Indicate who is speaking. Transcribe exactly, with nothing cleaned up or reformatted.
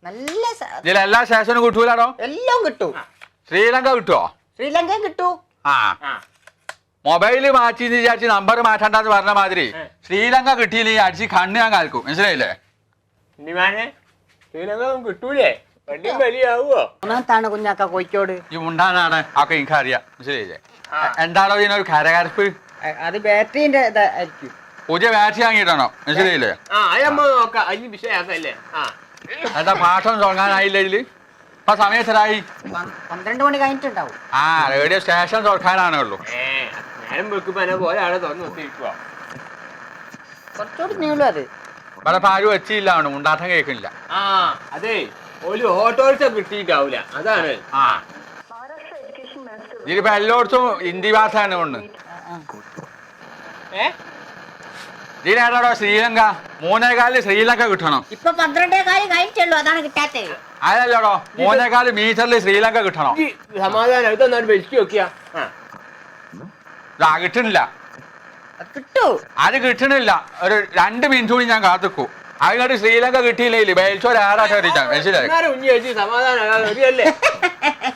Speaker 1: നല്ല
Speaker 2: ഇതിൽ എല്ലാ സ്റ്റേഷനും കിട്ടൂലാണോ?
Speaker 1: എല്ലാം കിട്ടും.
Speaker 2: ശ്രീലങ്ക കിട്ടുവോ?
Speaker 1: ശ്രീലങ്കയും കിട്ടൂ.
Speaker 2: ആ മൊബൈല് മാറ്റി വിചാരിച്ച് നമ്പർ മാറ്റണ്ടെന്ന് പറഞ്ഞ മാതിരി ശ്രീലങ്ക കിട്ടിയില്ലേ അടിച്ച് കണ്ണ് ഞാൻ കാൽക്കും. മനസ്സിലായില്ലേ?
Speaker 3: ശ്രീലങ്ക കിട്ടൂലേ? വലിയാവോ?
Speaker 1: ഒന്നാമത്താണ് കുഞ്ഞാക്ക കോഴിക്കോട്.
Speaker 2: ഈ ഉണ്ടാനാണ് ഒക്കെ എനിക്ക് അറിയാം. മനസ്സിലായില്ലേ? എന്താണോ ഇതിനൊരു കരകരപ്പ്?
Speaker 1: അത് ബാറ്ററിന്റെ ഇതായിരിക്കും.
Speaker 2: പുതിയ ബാറ്ററി വാങ്ങിയിട്ടാണോ? മനസ്സിലായില്ലേ? എന്താ പാട്ടൊന്നും തുടങ്ങാനായില്ല ഇതില്? ഇപ്പൊ സമയത്തരായി
Speaker 1: പന്ത്രണ്ട് മണി കഴിഞ്ഞിട്ടുണ്ടാവും.
Speaker 2: ആ റേഡിയോ സ്റ്റേഷൻ തുറക്കാനാണേ ഉള്ളൂ.
Speaker 1: കുറച്ചുകൂടി നീളും അത്.
Speaker 2: ഇവിടെ പാരും വെച്ചില്ല ഉണ്ടാട്ടം കേൾക്കുന്നില്ല.
Speaker 3: ആ അതെ ഒരു ഓട്ടോറിക്ഷ കിട്ടിയിട്ടാവൂല അതാണ്.
Speaker 2: ആ ഇതിലിപ്പോ എല്ലായിടത്തും ഹിന്ദി ഭാഷയാണ് കൊണ്ട്. ഇതിനേടാടോ ശ്രീലങ്ക മൂന്നേകാലില് ശ്രീലങ്ക കിട്ടണം.
Speaker 1: ഇപ്പൊ പന്ത്രണ്ടേ കാലം കഴിഞ്ഞിട്ടുള്ളൂ, അതാണ് കിട്ടാത്തത്.
Speaker 2: അതല്ലോടോ മൂന്നേകാല് മീറ്ററിൽ ശ്രീലങ്ക കിട്ടണം.
Speaker 3: സമാധാനം ഇതൊന്നും വലിച്ചു നോക്കിയാ
Speaker 2: കിട്ടണില്ല.
Speaker 1: കിട്ടൂ.
Speaker 2: അത് കിട്ടണില്ല. ഒരു രണ്ട് മിനിറ്റ് കൂടി ഞാൻ കാത്തിക്കൂ. അതിനോട് ശ്രീലങ്ക കിട്ടിയില്ലേ ബേൽച്ചോരാറാ മനസ്സിലായി.
Speaker 3: സമാധാനം